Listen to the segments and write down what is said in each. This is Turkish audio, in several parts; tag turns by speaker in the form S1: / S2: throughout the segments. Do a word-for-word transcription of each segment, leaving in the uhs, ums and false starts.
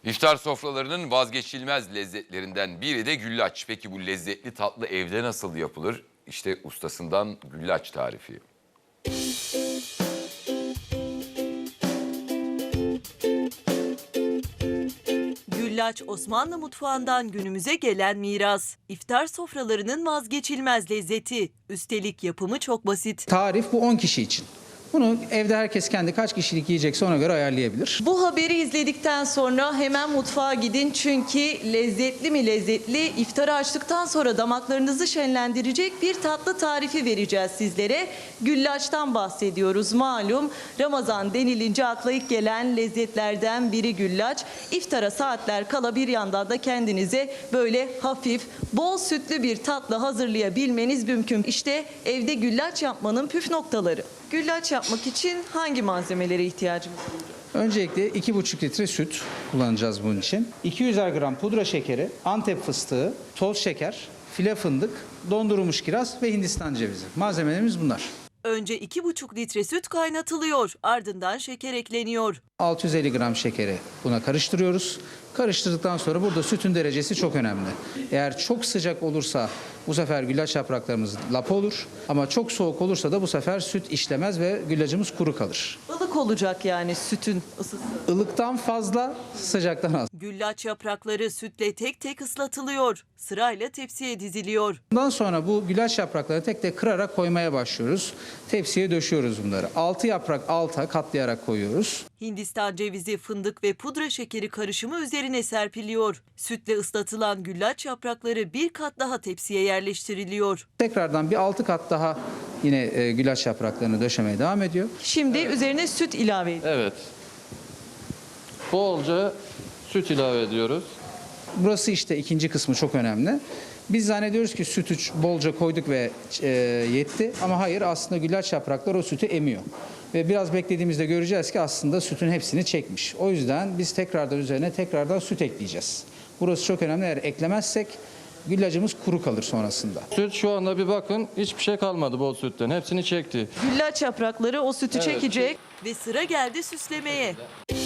S1: İftar sofralarının vazgeçilmez lezzetlerinden biri de güllaç. Peki bu lezzetli tatlı evde nasıl yapılır? İşte ustasından güllaç tarifi.
S2: Güllaç Osmanlı mutfağından günümüze gelen miras. İftar sofralarının vazgeçilmez lezzeti. Üstelik yapımı çok basit.
S3: Tarif bu on kişi için. Bunu evde herkes kendi kaç kişilik yiyecekse ona göre ayarlayabilir.
S2: Bu haberi izledikten sonra hemen mutfağa gidin çünkü lezzetli mi lezzetli iftarı açtıktan sonra damaklarınızı şenlendirecek bir tatlı tarifi vereceğiz sizlere. Güllaçtan bahsediyoruz malum. Ramazan denilince akla ilk gelen lezzetlerden biri güllaç. İftara saatler kala bir yandan da kendinize böyle hafif, bol sütlü bir tatlı hazırlayabilmeniz mümkün. İşte evde güllaç yapmanın püf noktaları. Güllaç yapmak için hangi malzemelere ihtiyacımız olacak?
S3: Öncelikle iki buçuk litre süt kullanacağız bunun için. iki yüzer gram pudra şekeri, Antep fıstığı, toz şeker, file fındık, dondurulmuş kiraz ve Hindistan cevizi. Malzemelerimiz bunlar.
S2: Önce iki buçuk litre süt kaynatılıyor. Ardından şeker ekleniyor.
S3: altı yüz elli gram şekeri buna karıştırıyoruz. Karıştırdıktan sonra burada sütün derecesi çok önemli. Eğer çok sıcak olursa bu sefer güllaç yapraklarımız lapa olur. Ama çok soğuk olursa da bu sefer süt işlemez ve güllacımız kuru kalır.
S2: Ilık olacak yani sütün ısısı.
S3: Ilıktan fazla, sıcaktan az.
S2: Güllaç yaprakları sütle tek tek ıslatılıyor. Sırayla tepsiye diziliyor.
S3: Bundan sonra bu güllaç yapraklarını tek tek kırarak koymaya başlıyoruz. Tepsiye döşüyoruz bunları. altı yaprak alta katlayarak koyuyoruz.
S2: Hindistan cevizi, fındık ve pudra şekeri karışımı üzerine serpiliyor. Sütle ıslatılan güllaç yaprakları bir kat daha tepsiye yerleştiriliyor.
S3: Tekrardan bir altı kat daha yine e, güllaç yapraklarını döşemeye devam ediyor.
S2: Şimdi üzerine süt ilave ediyor.
S4: Evet. Bolca süt ilave ediyoruz.
S3: Burası işte ikinci kısmı çok önemli. Biz zannediyoruz ki sütü bolca koyduk ve e, yetti ama hayır, aslında güllaç yaprakları o sütü emiyor. Ve biraz beklediğimizde göreceğiz ki aslında sütün hepsini çekmiş. O yüzden biz tekrardan üzerine tekrardan süt ekleyeceğiz. Burası çok önemli. Eğer eklemezsek güllacımız kuru kalır sonrasında.
S4: Süt şu anda bir bakın hiçbir şey kalmadı bol sütten. Hepsini çekti.
S2: Güllaç yaprakları o sütü
S4: Evet.
S2: çekecek. Ve sıra geldi süslemeye.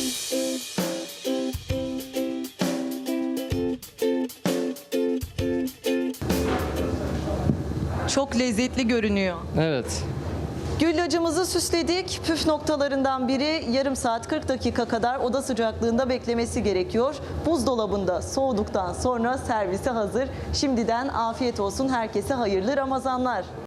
S2: Çok lezzetli görünüyor.
S4: Evet.
S2: Güllacımızı süsledik. Püf noktalarından biri yarım saat kırk dakika kadar oda sıcaklığında beklemesi gerekiyor. Buzdolabında soğuduktan sonra servise hazır. Şimdiden afiyet olsun, herkese hayırlı Ramazanlar.